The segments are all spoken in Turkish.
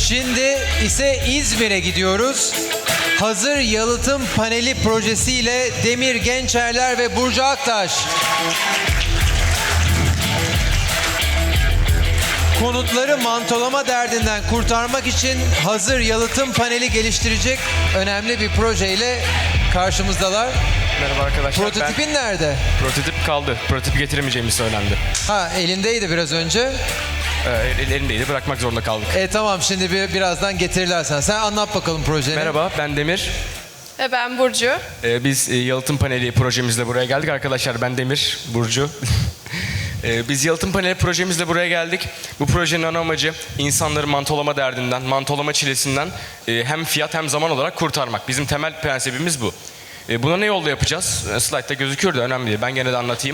Şimdi ise İzmir'e gidiyoruz. Hazır yalıtım paneli projesiyle Demir Gençerler ve Burcu Aktaş. Konutları mantolama derdinden kurtarmak için hazır yalıtım paneli geliştirecek önemli bir projeyle karşımızdalar. Merhaba arkadaşlar. Prototipin nerede? Prototip kaldı. Prototip getiremeyeceğimiz söylendi. Ha, elindeydi biraz önce. Elindeydi. Bırakmak zorunda kaldık. Tamam, şimdi birazdan getirirler sana. Sen anlat bakalım projeni. Merhaba, ben Demir. Ve ben Burcu. Biz yalıtım paneli projemizle buraya geldik. Arkadaşlar ben Demir, Burcu. Biz yalıtım paneli projemizle buraya geldik. Bu projenin ana amacı insanları mantolama derdinden, mantolama çilesinden hem fiyat hem zaman olarak kurtarmak. Bizim temel prensibimiz bu. Buna ne yolda yapacağız? Slide'da gözüküyor da önemli değil. Ben gene de anlatayım.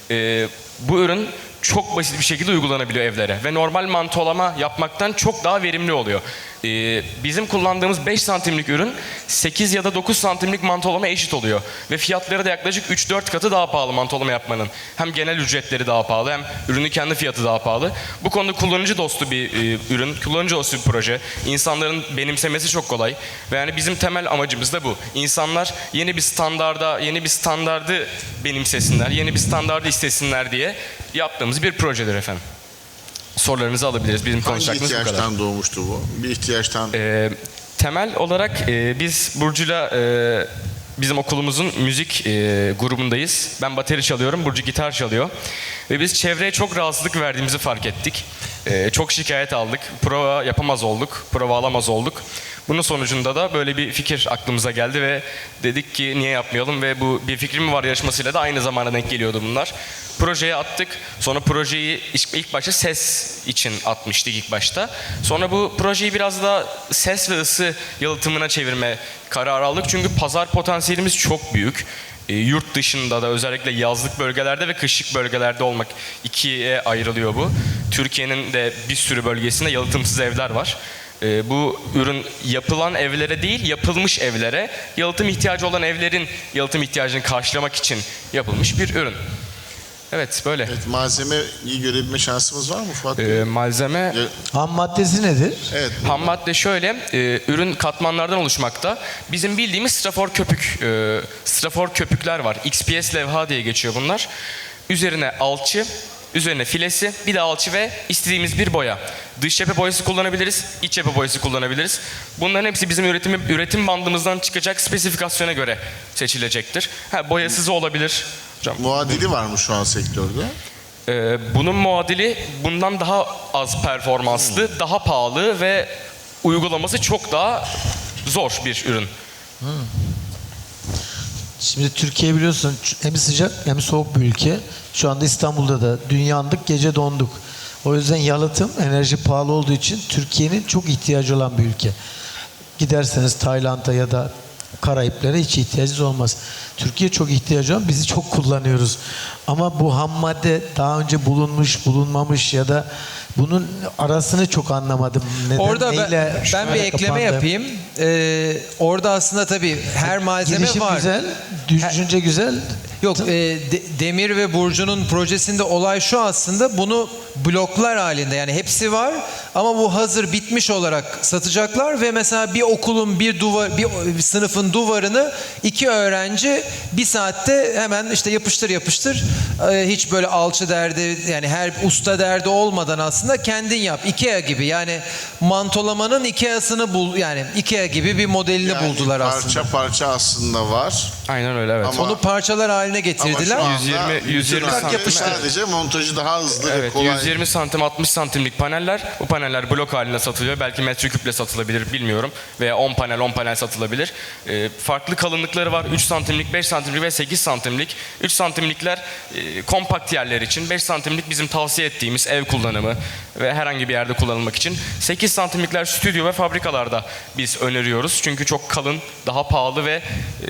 Bu ürün çok basit bir şekilde uygulanabiliyor evlere ve normal mantolama yapmaktan çok daha verimli oluyor. Bizim kullandığımız 5 santimlik ürün 8 ya da 9 santimlik mantolama eşit oluyor ve fiyatları da yaklaşık 3-4 katı daha pahalı mantolama yapmanın. Hem genel ücretleri daha pahalı hem ürünün kendi fiyatı daha pahalı. Bu konuda kullanıcı dostu bir ürün, kullanıcı dostu bir proje. İnsanların benimsemesi çok kolay ve yani bizim temel amacımız da bu. İnsanlar yeni bir standardı benimsesinler, yeni bir standardı istesinler diye yaptığımız bir projedir efendim. Sorularınızı alabiliriz. Bizim konuşacağımız bu kadar. Hangi ihtiyaçtan doğmuştu bu? Bir ihtiyaçtan... Temel olarak biz Burcu'yla bizim okulumuzun müzik grubundayız. Ben bateri çalıyorum, Burcu gitar çalıyor. Ve biz çevreye çok rahatsızlık verdiğimizi fark ettik. Çok şikayet aldık, prova yapamaz olduk, prova alamaz olduk. Bunun sonucunda da böyle bir fikir aklımıza geldi ve dedik ki niye yapmayalım ve bu Bir Fikrim Var yarışmasıyla da aynı zamana denk geliyordu bunlar. Projeye attık. Sonra projeyi ilk başta ses için atmıştık ilk başta. Sonra bu projeyi biraz daha ses ve ısı yalıtımına çevirme kararı aldık. Çünkü pazar potansiyelimiz çok büyük. Yurt dışında da özellikle yazlık bölgelerde ve kışlık bölgelerde olmak ikiye ayrılıyor bu. Türkiye'nin de bir sürü bölgesinde yalıtımsız evler var. Bu ürün yapılan evlere değil, yapılmış evlere, yalıtım ihtiyacı olan evlerin yalıtım ihtiyacını karşılamak için yapılmış bir ürün. Evet, böyle. Evet, malzemeyi görebilme şansımız var mı Fuat Bey? Malzeme... Ham maddesi nedir? Evet. Ham madde şöyle, ürün katmanlardan oluşmakta. Bizim bildiğimiz strafor köpükler var. XPS levha diye geçiyor bunlar. Üzerine alçı, üzerine filesi, bir de alçı ve istediğimiz bir boya. Dış cephe boyası kullanabiliriz, iç cephe boyası kullanabiliriz. Bunların hepsi bizim üretim bandımızdan çıkacak spesifikasyona göre seçilecektir. Boyasız olabilir. Hocam, Muadili var mı şu an sektörde? bunun muadili bundan daha az performanslı, daha pahalı ve uygulaması çok daha zor bir ürün. Şimdi Türkiye biliyorsun hem sıcak hem soğuk bir ülke. Şu anda İstanbul'da da dün yandık, gece donduk. O yüzden yalıtım, enerji pahalı olduğu için Türkiye'nin çok ihtiyacı olan bir ülke. Giderseniz Tayland'a ya da Karayiplere hiç ihtiyacınız olmaz. Türkiye çok ihtiyacı olan, bizi çok kullanıyoruz. Ama bu ham madde daha önce bulunmuş, bulunmamış ya da bunun arasını çok anlamadım. Neden, Orada neyle ben bir ekleme yapayım. Orada aslında tabii her malzeme Girişim var. güzel, düşünce güzel. Yok, Demir ve Burcu'nun projesinde olay şu aslında, bunu bloklar halinde, yani hepsi var ama bu hazır bitmiş olarak satacaklar ve mesela bir okulun bir sınıfın duvarını 2 öğrenci 1 saatte hemen işte yapıştır hiç böyle alçı derdi, yani her usta derdi olmadan aslında kendin yap. IKEA gibi, yani mantolamanın IKEA'sını bul, yani IKEA gibi bir modelini buldular aslında. Parça parça aslında var. Aynen öyle, evet. Ama- Onu parçalar haline Ama getirdiler. şu anda 120 santim. sadece montajı daha hızlı ve Evet, kolay. 120 santim 60 santimlik paneller. Bu paneller blok halinde satılıyor. Belki metreküple satılabilir, bilmiyorum. Veya 10 panel satılabilir. Farklı kalınlıkları var. 3 santimlik, 5 santimlik ve 8 santimlik. 3 santimlikler kompakt yerler için. 5 santimlik bizim tavsiye ettiğimiz ev kullanımı ve herhangi bir yerde kullanılmak için. 8 santimlikler stüdyo ve fabrikalarda biz öneriyoruz. Çünkü çok kalın, daha pahalı ve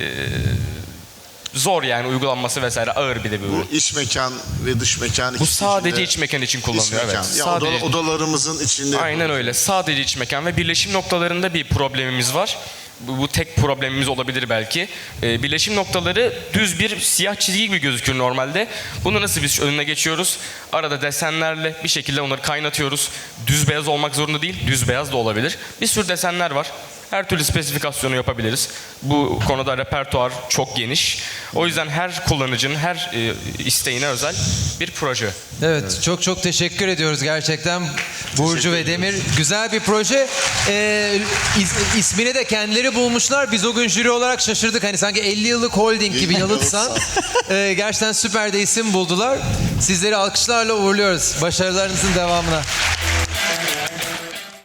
zor, yani uygulanması vesaire ağır bir de bir ürün. Bu iç mekan ve dış mekan Bu ikisi sadece içinde- iç mekan için İç kullanılıyor. mekan. Evet. Ya Sadece. odalarımızın içinde. Aynen öyle. Sadece iç mekan ve birleşim noktalarında bir problemimiz var. Bu tek problemimiz olabilir belki. Birleşim noktaları düz bir siyah çizgi gibi gözükür normalde. Bunu nasıl biz önüne geçiyoruz? Arada desenlerle bir şekilde onları kaynatıyoruz. Düz beyaz olmak zorunda değil, düz beyaz da olabilir. Bir sürü desenler var. Her türlü spesifikasyonu yapabiliriz. Bu konuda repertuar çok geniş. O yüzden her kullanıcının her isteğine özel bir proje. Evet, çok çok teşekkür ediyoruz gerçekten Burcu ve Demir. Güzel bir proje. İsmini de kendileri bulmuşlar. Biz o gün jüri olarak şaşırdık. Hani sanki 50 yıllık holding gibi Yalıtsan. Gerçekten süper de isim buldular. Sizleri alkışlarla uğurluyoruz. Başarılarınızın devamına.